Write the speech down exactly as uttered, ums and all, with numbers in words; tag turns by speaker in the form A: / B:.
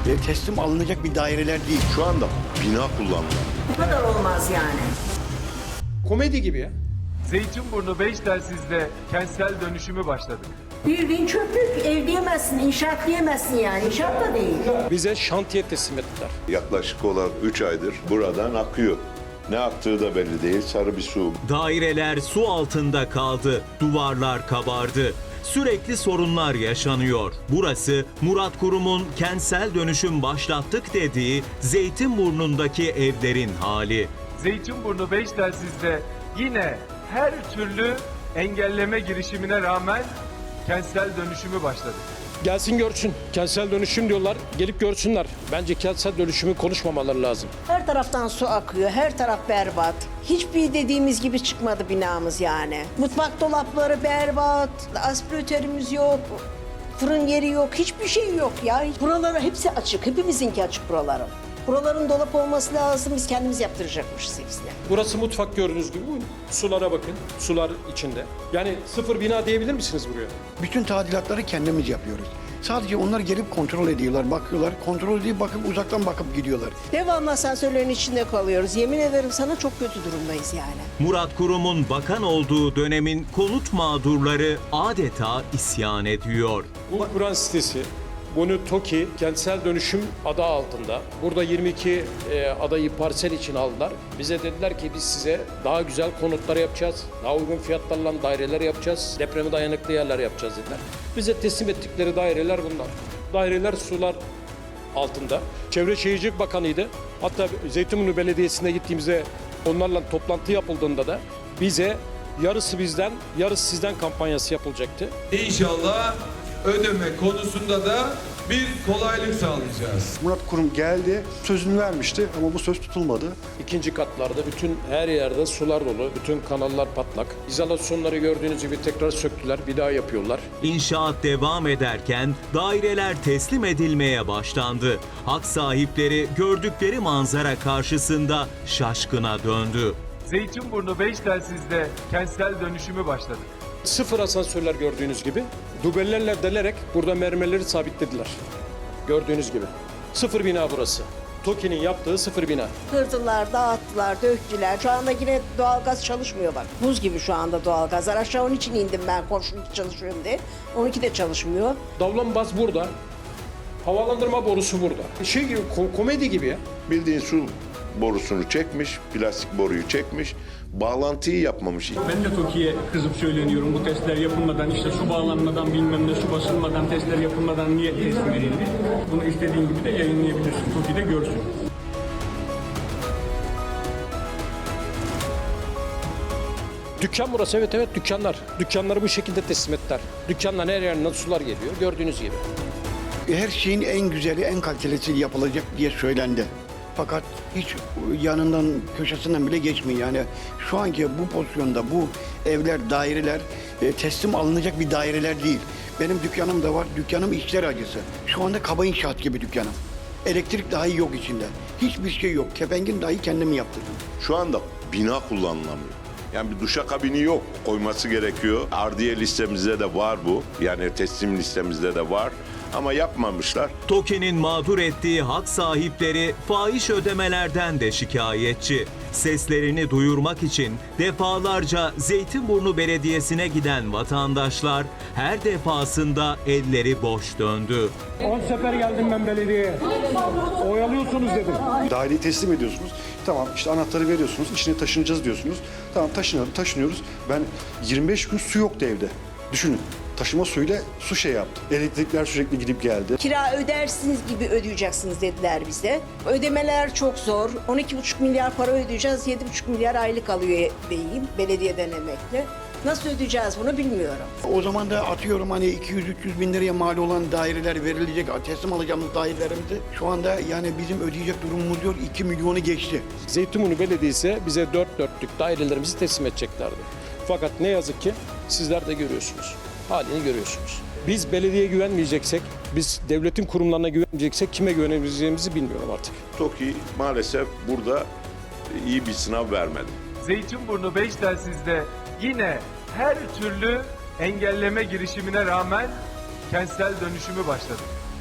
A: e, teslim alınacak bir daireler değil.
B: Şu anda bina kullanılıyor.
C: Bu kadar olmaz yani.
D: Komedi gibi ya.
E: Zeytinburnu beş telsizde kentsel dönüşümü başladık.
C: Bildiğin çöplük, ev diyemezsin, inşaat diyemezsin yani. İnşaat da değil.
D: Bize şantiye teslim ettiler.
B: Yaklaşık olarak üç aydır buradan akıyor. Ne aktığı da belli değil. Sarı bir su.
F: Daireler su altında kaldı, duvarlar kabardı. Sürekli sorunlar yaşanıyor. Burası Murat Kurum'un kentsel dönüşüm başlattık dediği Zeytinburnu'ndaki evlerin hali.
E: Zeytinburnu beş telsizde yine her türlü engelleme girişimine rağmen kentsel dönüşümü başladık.
D: Gelsin görsün. Kentsel dönüşüm diyorlar. Gelip görsünler. Bence kentsel dönüşümü konuşmamaları lazım.
C: Her taraftan su akıyor, her taraf berbat. Hiçbir dediğimiz gibi çıkmadı binamız yani. Mutfak dolapları berbat, aspiratörümüz yok, fırın yeri yok, hiçbir şey yok ya. Buraları hepsi açık, hepimizinki açık buraların. Buraların dolap olması lazım, biz kendimiz yaptıracakmışız hepsini.
D: Burası mutfak gördüğünüz gibi. Buyurun. Sulara bakın. Sular içinde. Yani sıfır bina diyebilir misiniz buraya?
A: Bütün tadilatları kendimiz yapıyoruz. Sadece onlar gelip kontrol ediyorlar, bakıyorlar. Kontrol edip bakıp uzaktan bakıp gidiyorlar.
C: Devamlı asansörlerin içinde kalıyoruz. Yemin ederim sana çok kötü durumdayız yani.
F: Murat Kurum'un bakan olduğu dönemin konut mağdurları adeta isyan ediyor.
D: Bu Kur'an sitesi, bunu TOKİ kentsel dönüşüm adı altında. Burada yirmi iki e, adayı parsel için aldılar. Bize dediler ki biz size daha güzel konutlar yapacağız. Daha uygun fiyatlarla daireler yapacağız. Depreme dayanıklı yerler yapacağız dediler. Bize teslim ettikleri daireler bunlar. Daireler sular altında. Çevre Şehircilik Bakanı'ydı. Hatta Zeytinburnu Belediyesi'ne gittiğimizde onlarla toplantı yapıldığında da bize yarısı bizden, yarısı sizden kampanyası yapılacaktı.
G: İnşallah ödeme konusunda da bir kolaylık sağlayacağız.
H: Murat Kurum geldi, sözünü vermişti ama bu söz tutulmadı.
D: İkinci katlarda bütün her yerde sular dolu, bütün kanallar patlak. İzolasyonları gördüğünüz gibi tekrar söktüler, bir daha yapıyorlar.
F: İnşaat devam ederken daireler teslim edilmeye başlandı. Hak sahipleri gördükleri manzara karşısında şaşkına döndü.
E: Zeytinburnu beş telsizde kentsel dönüşümü başladık.
D: Sıfır asansörler gördüğünüz gibi. Dubellerle delerek burada mermerleri sabitlediler. Gördüğünüz gibi. Sıfır bina burası. TOKİ'nin yaptığı sıfır bina.
C: Kırdılar, dağıttılar, döktüler. Şu anda yine doğalgaz çalışmıyor bak. Buz gibi şu anda doğalgazlar. Aşağı onun için indim ben komşunun çalışıyorum diye. Onunki de çalışmıyor.
D: Davlambaz burada. Havalandırma borusu burada. Şey gibi, ko- komedi gibi ya.
B: Bildiğin su borusunu çekmiş, plastik boruyu çekmiş, bağlantıyı yapmamış.
I: Ben de TOKİ'ye kızıp söyleniyorum bu testler yapılmadan, işte su bağlanmadan bilmem ne su basılmadan testler yapılmadan niye teslim edildi? Bunu istediğin gibi de yayınlayabilirsin. TOKİ de görsün.
D: Dükkan burası, evet evet dükkanlar. Dükkanları bu şekilde teslim ettiler. Dükkanların her yerinden sular geliyor gördüğünüz gibi.
A: Her şeyin en güzeli, en kalitelisi yapılacak diye söylendi. Fakat hiç yanından, köşesinden bile geçmiyor. Yani şu anki bu pozisyonda bu evler, daireler e, teslim alınacak bir daireler değil. Benim dükkanım da var. Dükkanım içler acısı. Şu anda kaba inşaat gibi dükkanım. Elektrik dahi yok içinde. Hiçbir şey yok. Kepengin dahi kendim yaptırdım.
B: Şu anda bina kullanılamıyor. Yani bir duşakabini yok, koyması gerekiyor. Ardiye listemizde de var bu. Yani teslim listemizde de var. Ama yapmamışlar.
F: TOKİ'nin mağdur ettiği hak sahipleri fahiş ödemelerden de şikayetçi. Seslerini duyurmak için defalarca Zeytinburnu Belediyesi'ne giden vatandaşlar her defasında elleri boş döndü.
I: on sefer geldim ben belediyeye. Oyalıyorsunuz dedim.
H: Daireyi teslim ediyorsunuz. Tamam işte anahtarı veriyorsunuz, içine taşınacağız diyorsunuz. Tamam taşınıyoruz, taşınıyoruz. Ben yirmi beş gün su yoktu evde. Düşünün. Taşıma suyuyla su şey yaptı. Elektrikler sürekli gidip geldi.
C: Kira ödersiniz gibi ödeyeceksiniz dediler bize. Ödemeler çok zor. on iki buçuk milyar para ödeyeceğiz. yedi buçuk milyar aylık alıyor beyim belediyeden emekli. Nasıl ödeyeceğiz bunu bilmiyorum.
A: O zaman da atıyorum hani iki yüz üç yüz bin liraya mal olan daireler verilecek, teslim alacağımız dairelerimizi şu anda yani bizim ödeyecek durumumuz yok, iki milyonu geçti.
D: Zeytinburnu Belediyesi bize dört dörtlük dairelerimizi teslim edeceklerdi. Fakat ne yazık ki sizler de görüyorsunuz. Halini görüyorsunuz. Biz belediyeye güvenmeyeceksek, biz devletin kurumlarına güvenmeyeceksek kime güvenebileceğimizi bilmiyorum artık.
B: TOKİ maalesef burada iyi bir sınav vermedi.
E: Zeytinburnu beş telsizde yine her türlü engelleme girişimine rağmen kentsel dönüşümü başladık.